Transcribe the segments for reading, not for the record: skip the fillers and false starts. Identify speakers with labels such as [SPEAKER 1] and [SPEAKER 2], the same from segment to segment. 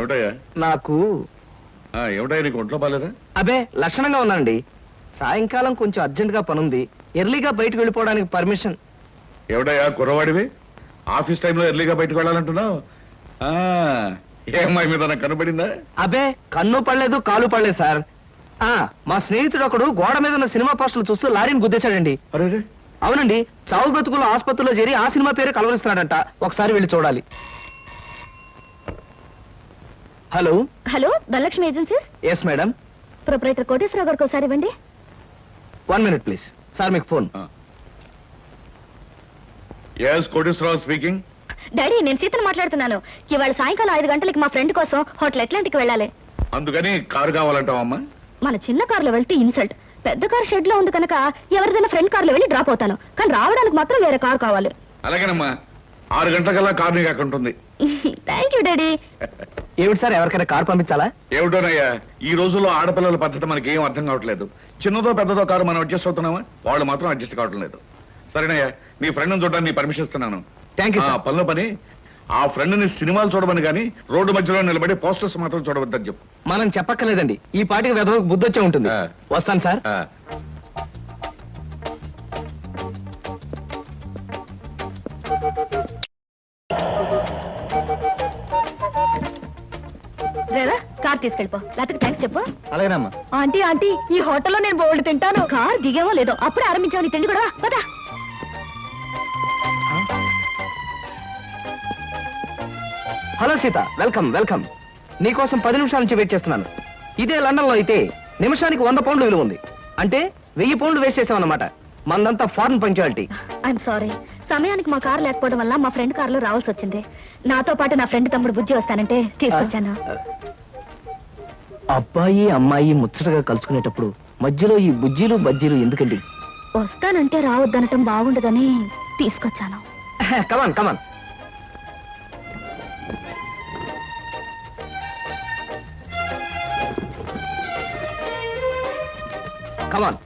[SPEAKER 1] ఏమిటయ్యా
[SPEAKER 2] నాకు
[SPEAKER 1] ఏమిటయ్యా నీకు ఒంట్లో బాలేదా?
[SPEAKER 2] అబే లక్షణంగా ఉన్నానండి. సాయంకాలం కొంచెం అర్జెంట్ గా పనుంది, ఎర్లీగా బయటకు వెళ్ళిపోవడానికి పర్మిషన్.
[SPEAKER 1] ఏమిటయ్యా కుర్రవాడివి, ఆఫీస్ టైంలో ఎర్లీగా బయటకు వెళ్ళాలంటున్నావు? ఏమ్మాయి మీద నాకు కనబడిందా?
[SPEAKER 2] అబే కన్ను పడలేదు కాలు పడలేదు సార్. మా స్నేహితుడు ఒకడు గోడ మీద ఉన్న సినిమా పోస్టర్లు చూస్తూ లారీని గుద్దేశాడండి.
[SPEAKER 1] అరే
[SPEAKER 2] అవునండి, చావు బ్రతుకుల్లో ఆసుపత్రిలో చేరి ఆ సినిమా పేరు కలవరిస్తున్నాడంట. ఒకసారి వెళ్ళి చూడాలి. Hello
[SPEAKER 3] hello, Dhanalakshmi agencies.
[SPEAKER 2] Yes madam.
[SPEAKER 3] Proprietor Koteswararao గారికి ఒకసారి ఇవ్వండి.
[SPEAKER 2] 1 minute ప్లీజ్. సార్ మీకు phone.
[SPEAKER 1] Yes Koteswararao speaking.
[SPEAKER 3] Daddy, నేను సీతను మాట్లాడుతున్నాను. ఇవాళ సాయంకాలం 5 గంటలకి మా ఫ్రెండ్ కోసం హోటల్ అట్లాంటిక్ వెళ్ళాలి.
[SPEAKER 1] అందుకని కారు కావాలంటావమ్మా?
[SPEAKER 3] మన చిన్న కారులో వెళ్తే ఇన్సల్ట్. పెద్ద కారు షెడ్ లో ఉంది కనుక ఎవరిదైనా ఫ్రెండ్ కారులో వెళ్ళి డ్రాప్ అవుతాను. కానీ రావడానికి మాత్రం వేరే కారు కావాలి.
[SPEAKER 1] అలాగేనమ్మా, 6 గంటలకల్లా కారు నీకు అక్కడ ఉంటుంది.
[SPEAKER 3] Thank you daddy.
[SPEAKER 2] ఏమిటి సార్, ఎవరికైనా కారు పంపించాలా?
[SPEAKER 1] ఏమిటోనయ్యా, ఈ రోజుల్లో ఆడపిల్లల పద్ధతి మనకి ఏం అర్థం కావట్లేదు. చిన్నదో పెద్దదో కారు మనం అడ్జస్ట్ అవుతున్నామా? వాళ్ళు మాత్రం అడ్జస్ట్ కావటం లేదు. సరేనయ్యా, నీ ఫ్రెండ్ని చూడడానికి నీ పర్మిషన్ ఇస్తున్నాను.
[SPEAKER 2] Thank you sir.
[SPEAKER 1] పనిలో పని ఆ ఫ్రెండ్ని సినిమాలు చూడమని కానీ రోడ్డు మధ్యలో నిలబడి పోస్టర్స్ మాత్రం చూడవద్దని చెప్పు.
[SPEAKER 2] మనం చెప్పక్కర్లేదండి, ఈ పాటికి వెధవకు బుద్ధి వచ్చే ఉంటుంది. వస్తాను సార్.
[SPEAKER 3] Driver, car తీసుకెళ్ళిపో. లేకపోతే థ్యాంక్స్ చెప్పు.
[SPEAKER 2] అలాగేనమ్మా.
[SPEAKER 3] ఆంటీ ఆంటీ, ఈ హోటల్లో నేను బోల్డ్ తింటాను. కార్ దిగేవో లేదో అప్పుడే ఆరంభించావు నీ తిండి కూడా. పదా.
[SPEAKER 2] Hello Sita, welcome welcome. నీకోసం 10 నిమిషాల నుంచి వెయిట్ చేస్తున్నాను. ఇదే లండన్ లో అయితే నిమిషానికి 100 పౌండ్లు విలువ ఉంది. అంటే 1000 పౌండ్లు వేస్ట్ చేసామన్నమాట. మందంతా ఫారెన్ పంచాలిటీ.
[SPEAKER 3] ఐఎమ్ సారీ, సమయానికి మా కారు లేకపోవడం వల్ల మా ఫ్రెండ్ కారులో రావాల్సి వచ్చింది. నాతో పాటు నా ఫ్రెండ్ తమ్ముడు బుజ్జి వస్తానంటే తీసుకొచ్చాను.
[SPEAKER 2] అబ్బాయి అమ్మాయి ముచ్చటగా కలుసుకునేటప్పుడు మధ్యలో ఈ బుజ్జీలు బజ్జీలు ఎందుకండి?
[SPEAKER 3] వస్తానంటే రావద్దనటం బాగుండదని తీసుకొచ్చాను.
[SPEAKER 2] కమాన్ కమాన్. కమాన్.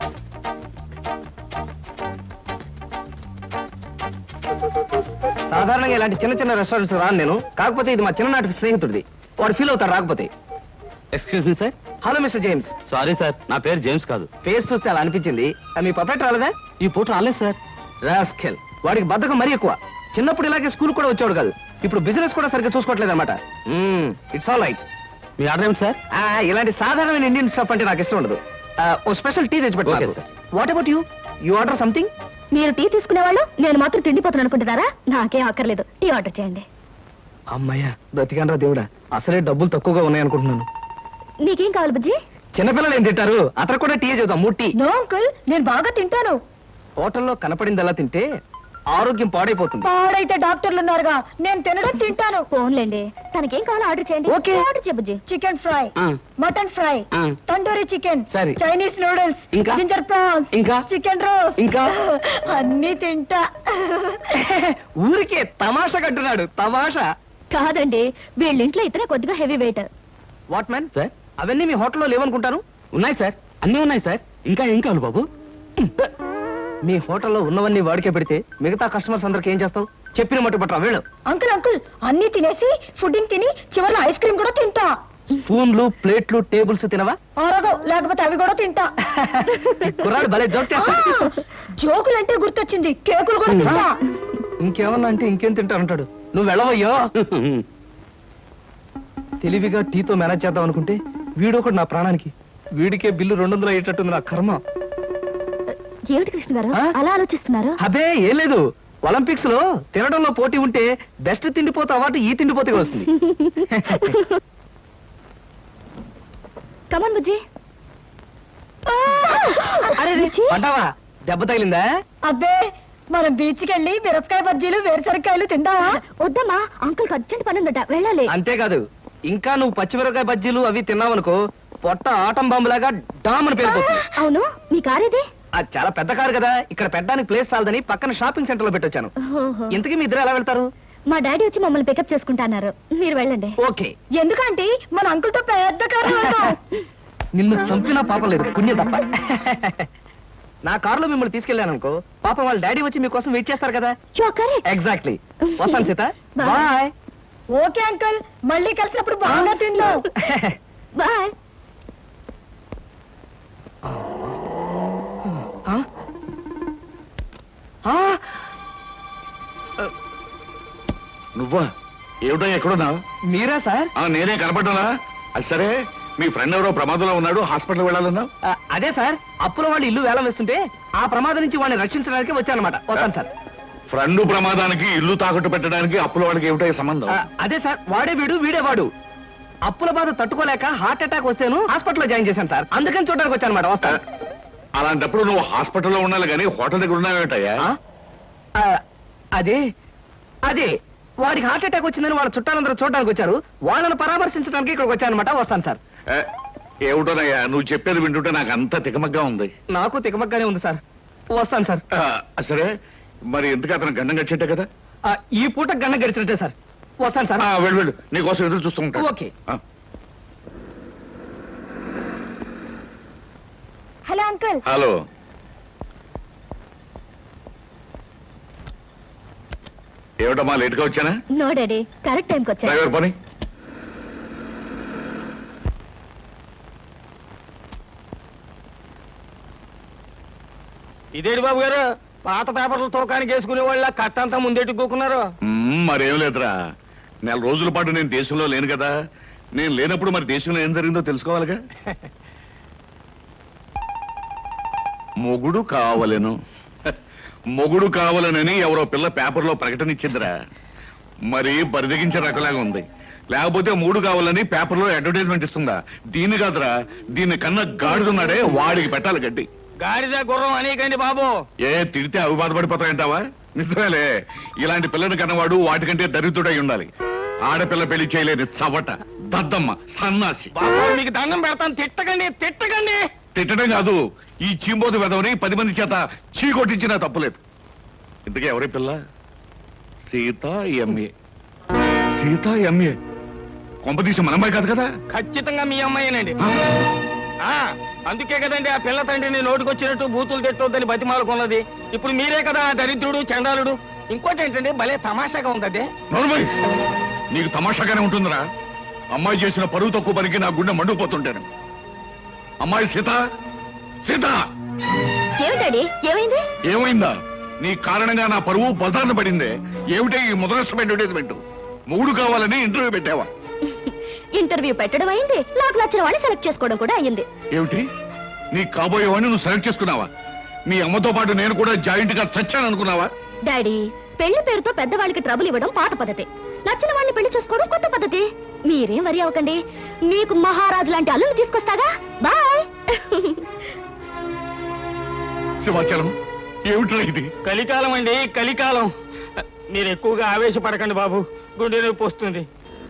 [SPEAKER 2] సాధారణంగా ఇలాంటి చిన్న చిన్న రెస్టారెంట్స్ రాను నేను. కాకపోతే ఇది మా చిన్ననాటి స్నేహితుడిది. వాడు ఫీల్ అవుతాడు రాకపోతే.
[SPEAKER 4] Excuse me sir.
[SPEAKER 2] Hello mister James.
[SPEAKER 4] Sorry sir, నా పేరు జేమ్స్ కాదు.
[SPEAKER 2] ఫేస్ చూస్తే అలా అనిపించింది. మీ పర్ఫెక్ట్ రాలేదా?
[SPEAKER 4] ఈ పూట రాలేదు సార్.
[SPEAKER 2] రాస్కెల్, వాడికి బద్ధకం మరీ ఎక్కువ. చిన్నప్పుడు ఇలాగే స్కూల్ కూడా వచ్చాడు కాదు, ఇప్పుడు బిజినెస్ కూడా సరిగ్గా చూసుకోవట్లేదు అనమాట. It's all right.
[SPEAKER 4] మీ ఆర్డర్ ఏమిటి సార్?
[SPEAKER 2] ఇలాంటి సాధారణమైన ఇండియన్ స్టఫ్ అంటే నాకు ఇష్టం ఉండదు. ఓ స్పెషల్ టీ తెచ్చిపెట్టాలి. What about you? You order something?
[SPEAKER 3] మీరు టీ తీసుకునేవాళ్ళు, నేను మాత్రం తిండిపోతాను అనుకుంటున్నారా? నాకేం అక్కర్లేదు, టీ ఆర్డర్ చేయండి.
[SPEAKER 2] అమ్మయ్యా, బ్రతికానరా దేవుడా. అసలే డబ్బులు తక్కువగా ఉన్నాయనుకుంటున్నాను.
[SPEAKER 3] నీకేం కావాలి బుజ్జి?
[SPEAKER 2] చిన్నపిల్లలు ఏం తింటారు? అతను కూడా టీ చూద్దాం. 3 టీ.
[SPEAKER 3] నో అంకుల్, నేను బాగా తింటాను.
[SPEAKER 2] హోటల్లో కనపడిందల్లా తింటే ఆరోగ్యం పాడైపోతుంది.
[SPEAKER 3] పాడైతే డాక్టర్లు ఉన్నారుగా, నేను తినడం తింటాను. ఫోన్లేండి, తనకేం కావాలో ఆర్డర్ చేయండి.
[SPEAKER 2] ఓకే.
[SPEAKER 3] ఆర్డర్ చేయ బుజ్జి. Chicken fry, mutton fry, tandoori chicken,
[SPEAKER 2] సరే.
[SPEAKER 3] చైనీస్ నూడిల్స్,
[SPEAKER 2] ఇంకా?
[SPEAKER 3] జింజర్ ప్రాన్స్,
[SPEAKER 2] ఇంకా?
[SPEAKER 3] చికెన్ రోస్ట్,
[SPEAKER 2] ఇంకా?
[SPEAKER 3] అన్ని తింటా.
[SPEAKER 2] ఊరికే తమాషా కట్టున్నాడు. తమాషా
[SPEAKER 3] కాదండి, వీళ్ళింట్లో ఇతనే కొద్దిగా heavy weight.
[SPEAKER 2] What man
[SPEAKER 4] sir,
[SPEAKER 2] అవన్నీ మీ హోటల్లో లేవనుకుంటాను.
[SPEAKER 4] ఉన్నాయి సార్, అన్నీ ఉన్నాయి సార్. ఇంకా ఏం కావాలి బాబు?
[SPEAKER 2] మీ హోటల్లో ఉన్నవన్నీ వాడికే పెడితే మిగతా కస్టమర్స్ అందరికి ఏం చేస్తావు? చెప్పిన మట్టు పట్టరా వీళ్ళు.
[SPEAKER 3] అంకుల్ అంకుల్, అన్ని తినేసి ఫుడ్డింగ్ తిని చివరిలో ఐస్ క్రీమ్ కూడా తింటా.
[SPEAKER 2] స్పూన్లు ప్లేట్లు టేబుల్స్ తినవా?
[SPEAKER 3] ఆరోగో, లేకపోతే అవి కూడా తింటా.
[SPEAKER 2] కుర్రాడు భలే జోక్ చేస్తాడు.
[SPEAKER 3] జోకులంటే గుర్తొచ్చింది, కేకులు కూడా తింటా.
[SPEAKER 2] ఇంకేమన్నా అంటే ఇంకేం తింటానంటాడు. నువ్వు వెళ్ళవయ్యో. తెలివిగా టీతో మేనేజ్ చేద్దాం అనుకుంటే వీడొకడు నా ప్రాణానికి. వీడికే బిల్లు 200 అయ్యేటట్టుంది నా కర్మ.
[SPEAKER 3] ఏమిటి కృష్ణ గారు అలా ఆలోచిస్తున్నారు?
[SPEAKER 2] అబే ఏం లేదు, ఒలింపిక్స్ లో తినడంలో పోటీ ఉంటే బెస్ట్ తిండిపోతే అవార్డు ఈ తిండిపోతేగా వస్తుంది.
[SPEAKER 3] కమాన్ బుజ్జి.
[SPEAKER 2] అరే పడ్డావా? దెబ్బ తగిలిందా?
[SPEAKER 3] అబ్బే, మనం బీచ్ కి వెళ్ళి మిరపకాయ బజ్జీలు వేరుసరికాయలు తిందామా? వద్దమ్మా, అంకుల్ అర్జెంట్ పని ఉందట, వెళ్ళాలి.
[SPEAKER 2] అంతేకాదు, ఇంకా నువ్వు పచ్చిమిరపకాయ బజ్జీలు అవి తిన్నావనుకో పొట్ట ఆటం బాంబులాగా డామ్ అని పేరుపోతుంది.
[SPEAKER 3] అవును, మీ కార్ ఇది?
[SPEAKER 2] అది చాలా పెద్ద కారు కదా, ఇక్కడ పెట్టడానికి ప్లేస్ చాలదని పక్కన షాపింగ్ సెంటర్ లో పెట్టొచ్చాను. ఇంతకీ మీ ఇద్దరు ఎలా వెళ్తారు?
[SPEAKER 3] మా డాడీ వచ్చి మమ్మల్ని పికప్ చేసుకుంటా అన్నారు. మీరు వెళ్ళండి.
[SPEAKER 2] ఓకే.
[SPEAKER 3] ఎందుకంటే మన అంకుల్ తో పెద్ద కారు.
[SPEAKER 2] నిన్ను చంపినా పాపం లేదు, పుణ్యం తప్ప. నా కారులో మిమ్మల్ని తీసుకెళ్లాను అనుకో, పాపం వాళ్ళ డాడీ వచ్చి మీకోసం వెయిట్ చేస్తారు కదా.
[SPEAKER 3] కరెక్ట్.
[SPEAKER 2] ఎగ్జాక్ట్లీ. వస్తాను సీత. బాయ్.
[SPEAKER 3] ఓకే అంకుల్, మళ్ళీ కలిసినప్పుడు బాగా తిందాం. బాయ్.
[SPEAKER 1] నువ్వా? ఏమిటో ఎక్కడున్నావు?
[SPEAKER 2] మీరా సార్?
[SPEAKER 1] నేనే కనపడ్డానా? అది సరే, మీ ఫ్రెండ్ ఎవరో ప్రమాదంలో ఉన్నాడు, హాస్పిటల్ వెళ్ళాలన్నావు.
[SPEAKER 2] అదే సార్, అప్పుల వాళ్ళు ఇల్లు వేలం వేస్తుంటే ఆ ప్రమాదం నుంచి వాడిని రక్షించడానికి వచ్చానమాట. వస్తాను సార్.
[SPEAKER 1] ఫ్రెండ్ ప్రమాదానికి ఇల్లు తాకట్టు పెట్టడానికి అప్పుల వాళ్ళకి ఏమిటో సంబంధం?
[SPEAKER 2] అదే సార్, వాడే వీడు వీడే వాడు. అప్పుల బాధ తట్టుకోలేక హార్ట్ అటాక్ వస్తేను హాస్పిటల్లో జాయిన్ చేశాను సార్. అందుకని చూడడానికి వచ్చానమాట. వస్తాను.
[SPEAKER 1] అలాంటప్పుడు నువ్వు హాస్పిటల్లో ఉండాలి కానీ హోటల్ దగ్గర ఉన్నావేటయ్యా?
[SPEAKER 2] అదే అదే వాడికి హార్ట్ అటాక్ వచ్చిందని వాళ్ళ చుట్టాలందరూ చూడడానికి వచ్చారు. వాళ్ళని పరామర్శించడానికి ఇక్కడికి వచ్చానమాట. వస్తాను సార్.
[SPEAKER 1] ఏమిటోనయ్యా నువ్వు చెప్పేది వింటుంటే నాకు అంత తికమగ్గా ఉంది.
[SPEAKER 2] నాకు తికమగ్గానే ఉంది సార్. వస్తాను సార్.
[SPEAKER 1] సరే, మరి ఎందుకు అతను గండం గడిచేట్టే కదా?
[SPEAKER 2] ఈ పూట గండం గడిచినట్టే సార్. వస్తాను సార్.
[SPEAKER 1] వెళ్ళు వెళ్ళు, నీకోసం ఎదురు చూస్తూ ఉంటా.
[SPEAKER 2] ఓకే.
[SPEAKER 3] Hello uncle.
[SPEAKER 1] హలో. ఏమిటమ్మా లేట్గా వచ్చానా?
[SPEAKER 3] నో డాడీ, కరెక్ట్ టైంకి వచ్చా.
[SPEAKER 1] డ్రైవర్ పని.
[SPEAKER 2] ఇదేంటి బాబు గారు, పాత పేపర్లు తోకానికి వేసుకునే వాళ్ళ కట్టంతా ముందెట్టుకోకున్నారు.
[SPEAKER 1] మరేం లేదురా, నెల రోజుల పాటు నేను దేశంలో లేను కదా. నేను లేనప్పుడు మరి దేశంలో ఏం జరిగిందో తెలుసుకోవాలిగా. మొగుడు కావలెను, మొగుడు కావాలనని ఎవరో పిల్ల పేపర్లో ప్రకటన ఇచ్చిందిరా. మరి బరిదగించే రకలాగా ఉంది. లేకపోతే మూడు కావాలని పేపర్లో అడ్వర్టైజ్మెంట్ ఇస్తుందా? దీన్ని కాదురా, దీన్ని కన్నా గాడిదున్నాడే వాడికి పెట్టాలి గడ్డి.
[SPEAKER 2] గాడిద గుర్రం అనేకండి బాబు.
[SPEAKER 1] తిడితే అవి బాధపడిపోతాయంటావా? నిజమేలే, ఇలాంటి పిల్లని కన్నవాడు వాటికంటే దరిద్రుడై ఉండాలి. ఆడపిల్ల పెళ్లి చేయలేని చవట, దద్దమ్మ, సన్నాసి.
[SPEAKER 2] మీకు దండం పెడతాను, తిట్టకండి తిట్టకండి.
[SPEAKER 1] తిట్టడం కాదు, ఈ చీంబోతు వెదవని 10 మంది చేత చీకొట్టించినా తప్పులేదు. ఇంతకీ ఎవరి పిల్ల? సీతా ఎంఏ. సీతా ఎంఏ కొంపదీసి మన అమ్మాయి కాదు కదా?
[SPEAKER 2] ఖచ్చితంగా మీ అమ్మాయినండి. అందుకే కదండి ఆ పిల్ల తండ్రిని నోటికొచ్చినట్టు బూతులు తిట్టొద్దని బతిమాలకున్నది. ఇప్పుడు మీరే కదా దరిద్రుడు, చండాలుడు. ఇంకోటి ఏంటండి, భలే తమాషాగా ఉంది. అదే
[SPEAKER 1] నోర్మై, నీకు తమాషాగానే ఉంటుందిరా. అమ్మాయి చేసిన పరువు తక్కువ పనికి నా గుండె మండుకుపోతుంటాను. అమ్మాయి సీత, సీత.
[SPEAKER 3] ఏమిటండి, ఏమైంది?
[SPEAKER 1] ఏమైందా? నీ కారణంగా నా పరువు బజార్న పడిందే. ఏమిటే ఈ ముదరష్టమైన అడ్వర్టైజ్మెంట్? మూడు కావాలని ఇంటర్వ్యూ పెట్టావా?
[SPEAKER 3] ఇంటర్వ్యూ పెట్టడం అయింది, నాకు నచ్చిన వాడిని సెలెక్ట్ చేసుకోవడం కూడా అయ్యింది.
[SPEAKER 1] ఏమిటి, నీ కాబోయేవాడిని నువ్వు సెలెక్ట్ చేసుకున్నావా? మీ అమ్మతో పాటు నేను కూడా జాయింట్ గా చచ్చాను అనుకున్నావా?
[SPEAKER 3] డాడీ, పెళ్లి పేరుతో పెద్దవాళ్ళకి ట్రబుల్ ఇవ్వడం పాత పద్ధతి. నచ్చిన వాడిని పెళ్లి చేసుకోవడం కొత్త పద్ధతి. మీరేం వరి అవ్వకండి, మీకు మహారాజు లాంటి అల్లుని తీసుకొస్తాగా. బాయ్.
[SPEAKER 1] సింహాచలం, ఏమిట్రా ఇది?
[SPEAKER 2] కలికాలం అండి, కలికాలం. మీరు ఎక్కువగా ఆవేశపడకండి బాబు, గుండె నొప్పి వస్తుంది.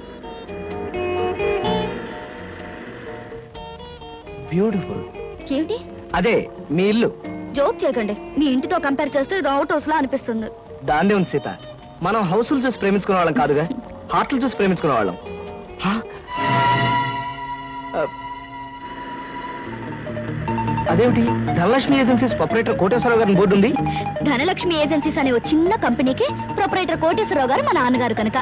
[SPEAKER 2] బ్యూటిఫుల్.
[SPEAKER 3] ఏమిటి?
[SPEAKER 2] అదే మీ ఇల్లు.
[SPEAKER 3] జోక్ చేయకండి, మీ ఇంటితో కంపేర్ చేస్తే ఇది అవుట్ హౌస్ లా అనిపిస్తుంది.
[SPEAKER 2] దాన్నే ఉంది సీత, మనం హౌసులు చూసి ప్రేమించుకునే వాళ్ళం కాదుగా, హార్ట్లు చూసి ప్రేమించుకునే వాళ్ళం. అదేమిటి, ధనలక్ష్మి ఏజెన్సీస్ ప్రొపరేటర్ కోటేశ్వరరావు గారి బోర్డు ఉంది.
[SPEAKER 3] ధనలక్ష్మి ఏజెన్సీస్ అనే ఒక చిన్న కంపెనీకి ప్రొపరేటర్ కోటేశ్వరరావు గారు మా నాన్నగారు కనుక.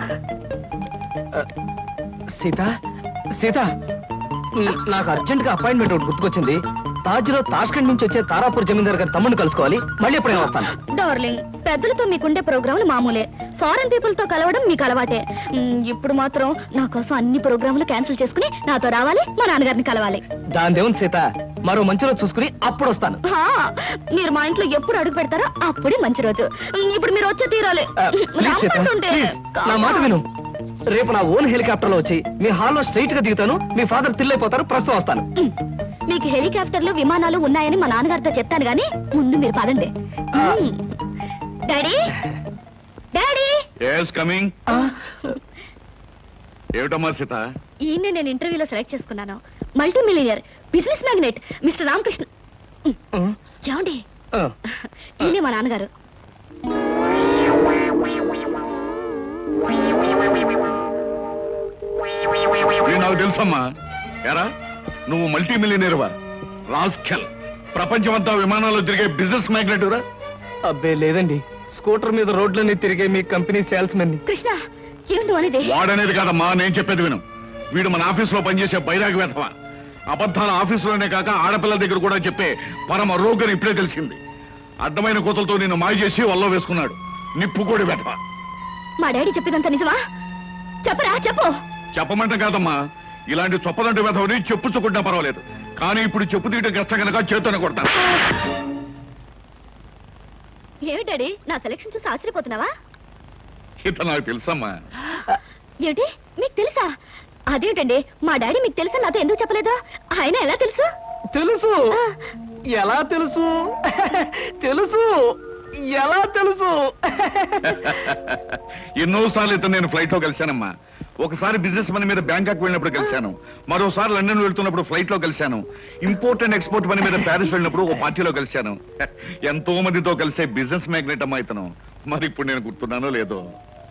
[SPEAKER 2] సీత, సీత, నాకు అర్జెంట్ గా అపాయింట్మెంట్ ఒకటి గుర్తుకొచ్చింది. తాజ్ లో తాష్కండ్ నుంచి వచ్చే తారాపూర్ జమీందార్ గారి తమ్ముడిని కలుసుకోవాలి. మళ్ళీ ఎప్పుడైనా వస్తాను.
[SPEAKER 3] డార్లింగ్, పెద్దలతో మీకుండే ప్రోగ్రాములు మామూలే, ఫారెన్ పీపుల్ తో కలవడం మీకు అలవాటే. ఇప్పుడు మాత్రం నా కోసం అన్ని ప్రోగ్రాములు క్యాన్సిల్ చేసుకుని నాతో రావాలి, మా నాన్నగారిని కలవాలి.
[SPEAKER 2] దాని దేవుని సీత, మరో మంచి రోజు చూసుకుని అప్పుడు వస్తాను.
[SPEAKER 3] మీరు మా ఇంట్లో ఎప్పుడు అడుగు పెడతారో అప్పుడే మంచి రోజు. ఇప్పుడు మీరు వచ్చే తీరాలి.
[SPEAKER 2] ప్లీజ్ సీత, ప్లీజ్, నా మాట విను. రేపు నా ఓన్ హెలికాప్టర్ లో వచ్చి మీ హాల్లో స్ట్రైట్ గా దిగుతాను. మీ ఫాదర్ తిల్లైపోతారు. ప్రస్తుతం వస్తాను.
[SPEAKER 3] మీకు హెలికాప్టర్లు, విమానాలు ఉన్నాయని మా నాన్నగారితో చెప్తాను గానీ ముందు మీరు పదండి. Daddy, daddy.
[SPEAKER 1] yes coming. ఏమిటమ్మా సీత?
[SPEAKER 3] ఈయన్ని నేను ఇంటర్వ్యూలో సెలెక్ట్ చేసుకున్నాను. Multi millionaire, business magnate mister Ramakrishna. చూడండి, ఈయనే మా నాన్నగారు.
[SPEAKER 1] నాకు తెలుసమ్మా. ఎరా, నువ్వు మల్టీ మిలియనీర్వా? రాస్కెల్, ప్రపంచమంతా విమానాల్లో తిరిగే బిజినెస్ మ్యాగ్నెట్ రా?
[SPEAKER 2] అబ్బే లేదండి, స్కూటర్ మీద రోడ్లన్నీ తిరిగే మీ కంపెనీ సేల్స్ మెన్.
[SPEAKER 3] కృష్ణ, ఏంటో అనేది
[SPEAKER 1] వాడనేది కాదమ్మా, నేను చెప్పేది విను. వీడు మన ఆఫీసులో పనిచేసే బైరాగి వేధవ. అబద్ధాల ఆఫీసులోనే కాక ఆడపిల్లల దగ్గర కూడా చెప్పే పరమ రోగని ఇప్పుడే తెలిసింది. అడ్డమైన కోతలతో నిన్ను మాయ చేసి వల్ల వేసుకున్నాడు. నిప్పుకోడి వేధవ.
[SPEAKER 3] మా డాడీ చెప్పేదంతా నిజమా? చెప్పరా, చెప్పు.
[SPEAKER 1] చెప్పమంటే కాదమ్మా, ఇలాంటి చొప్పదంటి వేధవని చెప్పుచ్చుకుంటా పర్వాలేదు, కానీ ఇప్పుడు చెప్పు తీయటం కష్టం కనుక చేతోనే కొడతాను.
[SPEAKER 3] ఏమి డాడీ, నా సెలక్షన్ చూసి ఆశ్చర్యపోతున్నావా?
[SPEAKER 1] ఇత నాకు తెలుసమ్మా.
[SPEAKER 3] ఏమిటి, మీకు తెలుసా? అదేంటండి, మా డాడీ మీకు తెలుసా నాతో ఎందుకు చెప్పలేదు? ఆయన ఎలా తెలుసు?
[SPEAKER 2] తెలుసు.
[SPEAKER 3] ఆ,
[SPEAKER 2] ఎలా తెలుసు? తెలుసు. ఎలా తెలుసు?
[SPEAKER 1] ఎన్నోసార్లు ఇతను నేను ఫ్లైట్ లో కలిశానమ్మా. ఒకసారి బిజినెస్ పని మీద బ్యాంకాక్ వెళ్ళినప్పుడు కలిశాను, మరోసారి లండన్ వెళ్తున్నప్పుడు ఫ్లైట్ లో కలిశాను, ఇంపోర్ట్ అండ్ ఎక్స్పోర్ట్ పని మీద ప్యారిస్ వెళ్ళినప్పుడు ఓ పార్టీలో కలిశాను. ఎంతో మందితో కలిసే బిజినెస్ మ్యాగ్నెట్ అమ్మా ఇతను. మరి ఇప్పుడు నేను గుర్తున్నానో లేదో.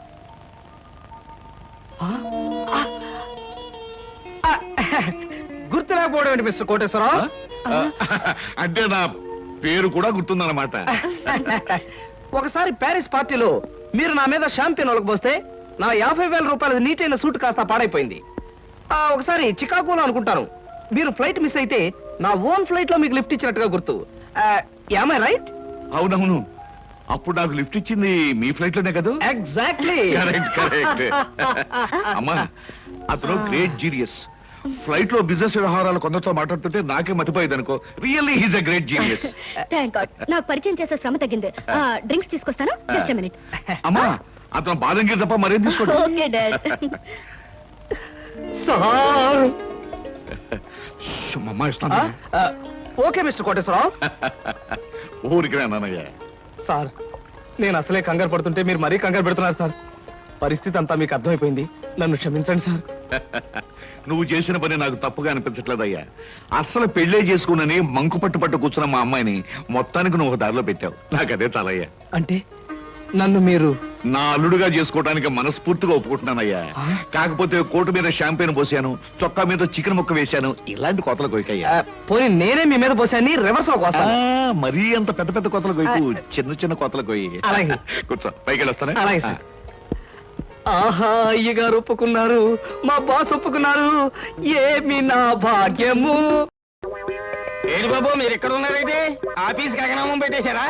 [SPEAKER 2] గుర్తు రాకపోవడం ఏంటి మిస్టర్ కోటేశ్వరరావు?
[SPEAKER 1] అంటే నా పేరు కూడా గుర్తుందన్నమాట.
[SPEAKER 2] ఒకసారి ప్యారిస్ పార్టీలో మీరు నా మీద షాంపియన్ ఒలకపోస్తే నా 50,000 రూపాయల నీటైన సూట్ కాస్త పాడైపోయింది. ఒకసారి చికాగోలో అనుకుంటాను మీరు ఫ్లైట్ మిస్ అయితే నా ఓన్ ఫ్లైట్ లో మీకు లిఫ్ట్ ఇచ్చినట్టుగా గుర్తు. Am I right?
[SPEAKER 1] అవునవును, అప్పుడు నాకు లిఫ్ట్ ఇచ్చింది మీ ఫ్లైట్ లోనే కదా.
[SPEAKER 2] ఎగ్జాక్ట్లీ.
[SPEAKER 1] Correct correct. అమ్మా, అతను గ్రేట్ జీనియస్. ఫ్లైట్ లో బిజినెస్ వ్యవహారాలు కొందరితో మాట్లాడుతుంటే నాకే మతిపోయేది అనుకో. Really he's a great genius.
[SPEAKER 3] Thank god, నాకు పరిచయం చేసే శ్రమ తగ్గింది. డ్రింక్స్ తీసుకొస్తాను, జస్ట్ ఎ మినిట్.
[SPEAKER 1] అమ్మా, అతను బాదంగిరి తప్ప మరేం తీసుకోండి.
[SPEAKER 3] Okay dad.
[SPEAKER 2] సార్.
[SPEAKER 1] అమ్మా ఇస్తాను.
[SPEAKER 2] Okay mister Koteswararao.
[SPEAKER 1] ఊరికి నాన్నయ్య.
[SPEAKER 2] సార్, నేను అసలే కంగారు పడుతుంటే మీరు మరీ కంగారు పెడుతున్నారు సార్. పరిస్థితి అంతా మీకు అర్థమైపోయింది, నన్ను క్షమించండి సార్.
[SPEAKER 1] నువ్వు చేసిన పని నాకు తప్పుగా అనిపించట్లేదయ్యా. అసలు పెళ్లే చేసుకున్నని మంకు పట్టు కూర్చున్న మా అమ్మాయిని మొత్తానికి నువ్వు ఒక దారిలో పెట్టావు. నాకు అదే చాలయ్యా.
[SPEAKER 2] అంటే నన్ను మీరు
[SPEAKER 1] నా అల్లుడుగా చేసుకోవడానికి మనస్ఫూర్తిగా ఒప్పుకుంటున్నానయ్యా. కాకపోతే కోటు మీద షాంపెయిన్ పోసాను, చొక్కా మీద చికెన్ ముక్క వేశాను, ఇలాంటి కోతలు కొయ్యకయ్యా.
[SPEAKER 2] పోనీ నేనే మీ మీద పోసాన్ని రివర్స్ లో కోస్తాను.
[SPEAKER 1] మరీ అంత పెద్ద పెద్ద కోతలు కొయ్యకు, చిన్న చిన్న కోతలు కొయ్యి.
[SPEAKER 2] అలాగే.
[SPEAKER 1] కూర్చో, పైకి వెళ్ళొస్తానే.
[SPEAKER 2] అలాగే సార్. ఆహా, అయ్యగారు ఒప్పుకున్నారు, మా బాస్ ఒప్పుకున్నారు, ఏమి నా భాగ్యము.
[SPEAKER 4] ఏడు బాబు, మీరు ఎక్కడ ఉన్నారైతే ఆఫీస్ గగనామం పెట్టేశారా?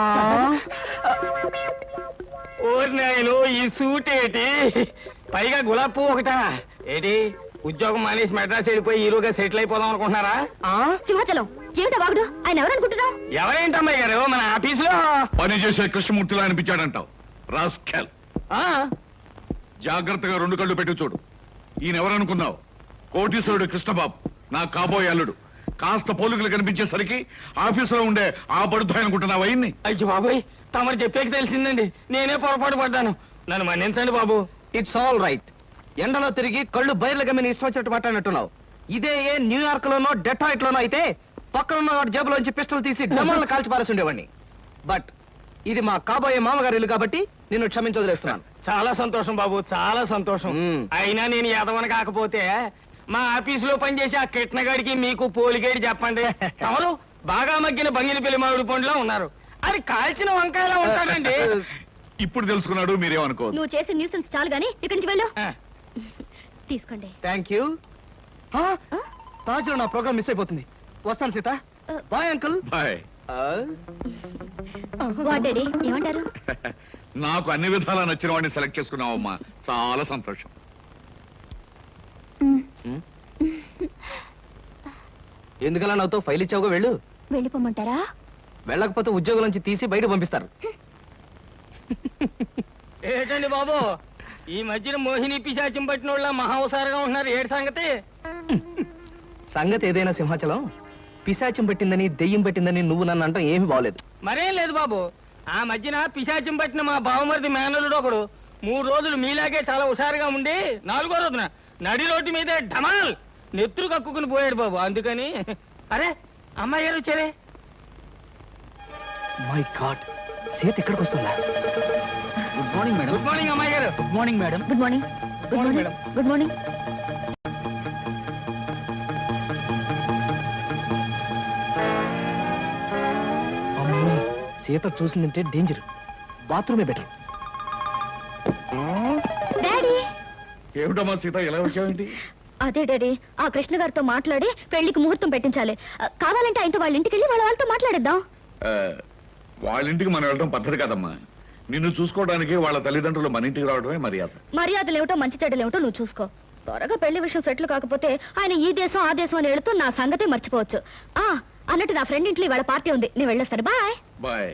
[SPEAKER 4] ఓరి నాయను, ఈ సూట్ ఏంటి, పైగా గులాబ్ పువ్వు ఒకటా ఏంటి? ఉద్యోగం మానేసి మెడ్రాస్ వెళ్ళిపోయి హీరోగా సెటిల్ అయిపోదాం అనుకుంటున్నారా?
[SPEAKER 3] సింహాచలం, ఏమిటా వాగుడు? ఆయన ఎవరనుకుంటున్నావు?
[SPEAKER 4] ఎవరేంటమ్మాయి గారు, మన ఆఫీసులో
[SPEAKER 1] పని చేసే కృష్ణమూర్తిలా అనిపించాడంటావు. రాస్కెల్.
[SPEAKER 4] ఆ,
[SPEAKER 1] జాగ్రత్తగా 2 కళ్ళు పెట్టి చూడు. ఈయన ఎవరనుకున్నావు? కోటీశ్వరుడు కృష్ణబాబు, నా కాబోయే అల్లుడు. కాస్త పోలికలు కనిపించేసరికి ఆఫీసులో ఉండే ఆ పడుతాయి అనుకుంటున్నావు అయ్యింది.
[SPEAKER 4] అయ్యో బాబోయ్, తమరు చెప్పేకి తెలిసిందండి, నేనే పొరపాటు పడ్డాను, నన్ను మన్నించండి బాబు.
[SPEAKER 2] It's all right. ఎండలో తిరిగి కళ్ళు బయర్లు గమ్మిని ఇష్టం వచ్చినట్టు మాట్లాడినట్టున్నావు. ఇదే ఏ న్యూయార్క్ లోనో డెట్రాయిట్ లోనో అయితే పక్కనున్న వాడి జేబులోంచి పిస్టల్ తీసి డమాలను కాల్చి పారేసి ఉండేవాడిని. బట్ ఇది మా కాబోయే మామగారి ఇల్లు కాబట్టి నిన్ను క్షమించొదిలేస్తున్నాను.
[SPEAKER 4] చాలా సంతోషం బాబు, చాలా సంతోషం. అయినా నేను ఎదవని కాకపోతే మా ఆఫీసులో పనిచేసే ఆ కిట్నగాడికి మీకు పోలిగేడి చెప్పండి. తమరు బాగా మగ్గిన బంగిన పెళ్లి మామిడి పండులో ఉన్నారు, అది కాల్చిన వంకాయలా ఉంటాడండి.
[SPEAKER 1] ఇప్పుడు తెలుసుకున్నాడు, మీరేమనుకోవద్దు.
[SPEAKER 3] నువ్వు చేసే న్యూసెన్స్ చాలు గానీ ఇక్కడి నుంచి వెళ్ళు.
[SPEAKER 4] ఆ,
[SPEAKER 3] తీసుకోండి.
[SPEAKER 2] Thank you. తాజ్ లో నా ప్రోగ్రామ్ మిస్ అయిపోతుంది. వస్తాను Sita. Bye uncle.
[SPEAKER 1] Bye.
[SPEAKER 3] What daddy, ఏమంటారు?
[SPEAKER 1] నాకు అన్ని విధాలా నచ్చిన వాడిని సెలెక్ట్ చేసుకున్నావమ్మా, చాలా సంతోషం.
[SPEAKER 2] ఎందుకలా నాతో ఫైల్ ఇచ్చావుగా, వెళ్ళు.
[SPEAKER 3] వెళ్ళిపోమంటారా?
[SPEAKER 2] వెళ్ళకపోతే ఉద్యోగం నుంచి తీసి బయట పంపిస్తారు.
[SPEAKER 4] ఏంటండి బాబు, ఈ మధ్యన మోహిని పిశాచం పట్టిన వాళ్ళ మహావసారగా ఉంటున్నారు, ఏడు సంగతి?
[SPEAKER 2] సంగతి ఏదైనా సింహాచలం, పిశాచం పెట్టిందని దెయ్యం పెట్టిందని నువ్వు నన్ను అంటాం ఏమీ బాగలేదు.
[SPEAKER 4] మరేం లేదు బాబు, ఆ మధ్యన పిశాచం పట్టిన మా బావమరిది మేనలుడు ఒకడు 3 రోజులు మీలాగే చాలా హుషారుగా ఉండి 4వ రోజున నడి రోడ్డు మీదే ఢమాల్ నెత్తురు కక్కుకుని పోయాడు బాబు. అందుకని అరే అమ్మాయి గారు వచ్చారే.
[SPEAKER 2] మై గాడ్, సీత ఇక్కడికి వస్తుందా? Good morning madam.
[SPEAKER 4] Good morning అమ్మాయి గారు.
[SPEAKER 2] Good morning madam.
[SPEAKER 3] Good morning. Good
[SPEAKER 4] morning
[SPEAKER 3] morning. Good morning.
[SPEAKER 2] అమ్మో, సీత చూసిందంటే డేంజర్. బాత్రూమే బెటర్.
[SPEAKER 3] డాడీ,
[SPEAKER 1] ఏమిటమ్మా సీత ఎలా వచ్చావేంటి?
[SPEAKER 3] అదే డాడీ, ఆ కృష్ణ గారితో మాట్లాడి పెళ్లికి ముహూర్తం పెట్టించాలి. కావాలంటే ఆయనతో వాళ్ళ ఇంటికి వెళ్ళి వాళ్ళతో మాట్లాడేద్దాం.
[SPEAKER 1] వాళ్ళ ఇంటికి మనం వెళ్ళడం పద్ధతి కదమ్మా. నిన్ను చూసుకోవడానికి వాళ్ళ తల్లిదండ్రులు మన ఇంటికి రావడమే మర్యాద.
[SPEAKER 3] మర్యాదలేమిటో మంచి చెడ్డలేమిటో నువ్వు చూసుకో. త్వరగా పెళ్లి విషయం సెటిల్ కాకపోతే ఆయన ఈ దేశం ఆ దేశం అని వెళుతూ నా సంగతే మర్చిపోవచ్చు. అన్నట్టు నా ఫ్రెండ్ ఇంట్లో ఇవాళ పార్టీ ఉంది, నేను వెళ్ళొస్తాను. Bye
[SPEAKER 1] bye.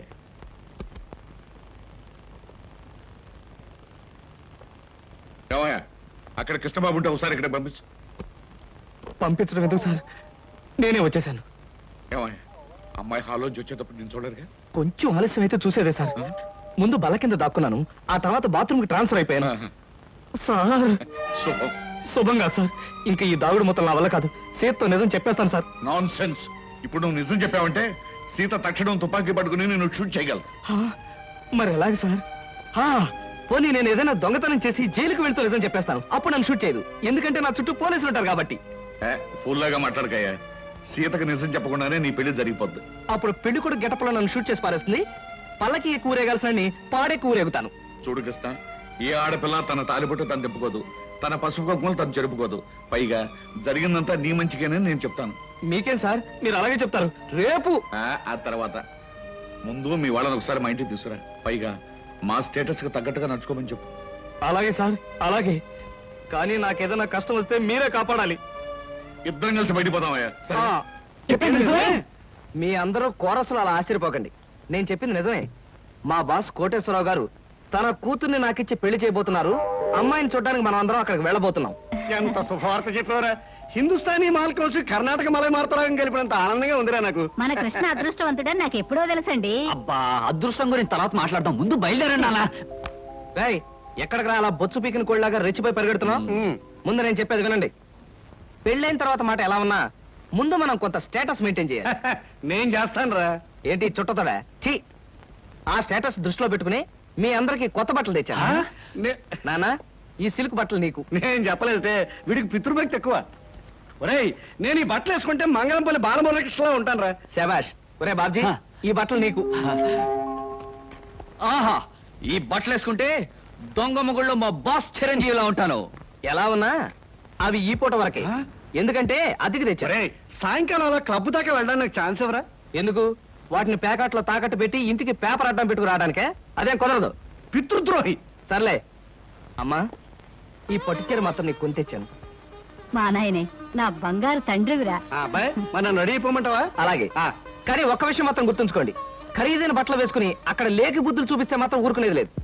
[SPEAKER 1] ఏమయ్యా, అక్కడ కృష్ణబాబు ఉంటే ఒకసారి ఇక్కడ పంపించు.
[SPEAKER 2] పంపించడం ఎందుకు సార్, నేనే వచ్చేసాను.
[SPEAKER 1] ఏమయ్యా, అమ్మాయి హాల్లోంచి వచ్చేటప్పుడు నేను చూడరుగా?
[SPEAKER 2] కొంచెం ఆలస్యం అయితే చూసేదే సార్. ముందు బల్ల కింద దాక్కున్నాను, ఆ తర్వాత బాత్రూమ్ కి ట్రాన్స్ఫర్ అయిపోయాను. సార్
[SPEAKER 1] శుభం.
[SPEAKER 2] శుభంగా సార్, ఇంకా ఈ దాగుడు మొత్తం నా వల్ల కాదు. సీతతో నిజం చెప్పేస్తాను సార్.
[SPEAKER 1] Non sense. ఇప్పుడు నువ్వు నిజం చెప్పావంటే సీత తక్షణం తుపాకీ పట్టుకుని నేను షూట్ చేయగలను.
[SPEAKER 2] మరి ఎలాగ సార్? పోనీ నేను ఏదైనా దొంగతనం చేసి జైలుకు వెళ్తూ నిజం చెప్పేస్తాను, అప్పుడు నన్ను షూట్ చేయదు. ఎందుకంటే నా చుట్టూ పోలీసులు ఉంటారు కాబట్టి.
[SPEAKER 1] ఫుల్లాగా మాట్లాడకయ్యా. సీతకు నిజం చెప్పకుండానే నీ పెళ్లి జరిగిపోద్ది.
[SPEAKER 2] అప్పుడు పెళ్లి కూడా గెటప్లో నన్ను షూట్ చేసి పారేస్తుంది. పల్లకి కూరేగాల్సిన పాడే కూరేగుతాను.
[SPEAKER 1] చూడు కృష్ణ, ఏ ఆడపిల్ల తన తాలిబొట్టు తను తిప్పుకోదు, తన పసుపు కుంకుమలు తను జరుపుకోదు. పైగా జరిగిందంతా నీ మంచిగానే నేను చెప్తాను.
[SPEAKER 2] మీకేం సార్, మీరు అలాగే చెప్తారు. రేపు
[SPEAKER 1] ఆ తర్వాత ముందు మీ వాళ్ళని ఒకసారి మా ఇంటికి తీసుకురా. పైగా మా స్టేటస్ కి తగ్గట్టుగా నడుచుకోమని చెప్పు.
[SPEAKER 2] అలాగే సార్, అలాగే. కానీ నాకేదైనా కష్టం వస్తే మీరే కాపాడాలి.
[SPEAKER 1] ఇద్దరం కలిసి బయటపోదామయ్యా. సరే?
[SPEAKER 2] చెప్పింది నిజమే. మీ అందరూ కోరసులు అలా ఆశ్చర్యపోకండి. నేను చెప్పింది నిజమే. మా బాస్ కోటేశ్వరరావు గారు తన కూతుర్ని నాకిచ్చి పెళ్లి చేయబోతున్నారు. అమ్మాయిని చూడడానికి మనం అందరం అక్కడికి వెళ్ళబోతున్నాం.
[SPEAKER 5] ఎంత శుభవార్త చెప్పారా! హిందుస్థానీ మాల్ కౌన్సి కర్ణాటక మలై మార్తరాగం కలిపినంత ఆనందంగా ఉందిరా నాకు.
[SPEAKER 3] మన కృష్ణ అదృష్టవంతుడని నాకు ఎప్పుడో తెలుసండి.
[SPEAKER 2] అబ్బా, అదృష్టం గురించి తర్వాత మాట్లాడదాం, ముందు బయలుదేరండి అలా. ఎక్కడికి రా అలా బొచ్చు పీకిన కోళ్ళలాగా రెచ్చిపోయి పరిగెడుతున్నాం? ముందు నేను చెప్పేది వినండి. పెళ్ళైన తర్వాత మాట ఎలా ఉన్నా ముందు మనం కొంత స్టేటస్ మెయింటైన్ చేయాలి.
[SPEAKER 5] నేను చేస్తాను రా.
[SPEAKER 2] ఏంటి చుట్టతోడా? ఛీ! ఆ స్టేటస్ దృష్టిలో పెట్టుకుని మీ అందరికి కొత్త బట్టలు తెచ్చా. నానా, ఈ సిల్క్ బట్టలు నీకు.
[SPEAKER 5] నేను చెప్పలేదే, వీడికి పితృభక్తి ఎక్కువ. ఒరేయ్, నేను ఈ బట్టలు వేసుకుంటే మంగళంపల్లి బాలమురకృష్ణలా ఉంటాను రా.
[SPEAKER 2] శబాష్. ఒరే బాబ్జీ, ఈ బట్టలు నీకు. ఆహా, ఈ బట్టలు వేసుకుంటే దొంగ మొగుళ్ళో మా బాస్ చిరంజీవిలా ఉంటాను. ఎలా ఉన్నా అవి ఈ పూట వరకే. ఎందుకంటే అద్దెకి తెచ్చా.
[SPEAKER 5] ఒరేయ్, సాయంకాలం అలా క్లబ్ దాకా వెళ్ళడానికి నాకు ఛాన్స్ ఇవ్వరా?
[SPEAKER 2] ఎందుకు? వాటిని ప్యాకెట్లో తాకట్టు పెట్టి ఇంటికి పేపర్ అడ్డం పెట్టుకు రావడానికే? అదేం కుదరదు.
[SPEAKER 5] పితృద్రోహి.
[SPEAKER 2] సర్లే అమ్మా, ఈ పట్టుచీర మాత్రం నీకు కొని తెచ్చాను.
[SPEAKER 3] మా నాయనే, నా బంగారు తండ్రివిరా.
[SPEAKER 5] అబ్బాయి, మన రెడీ అయిపోమంటావా?
[SPEAKER 2] అలాగే. కానీ ఒక్క విషయం మాత్రం గుర్తుంచుకోండి, ఖరీదైన బట్టలు వేసుకుని అక్కడ లేకి బుద్ధులు చూపిస్తే మాత్రం ఊరుకునేది లేదు.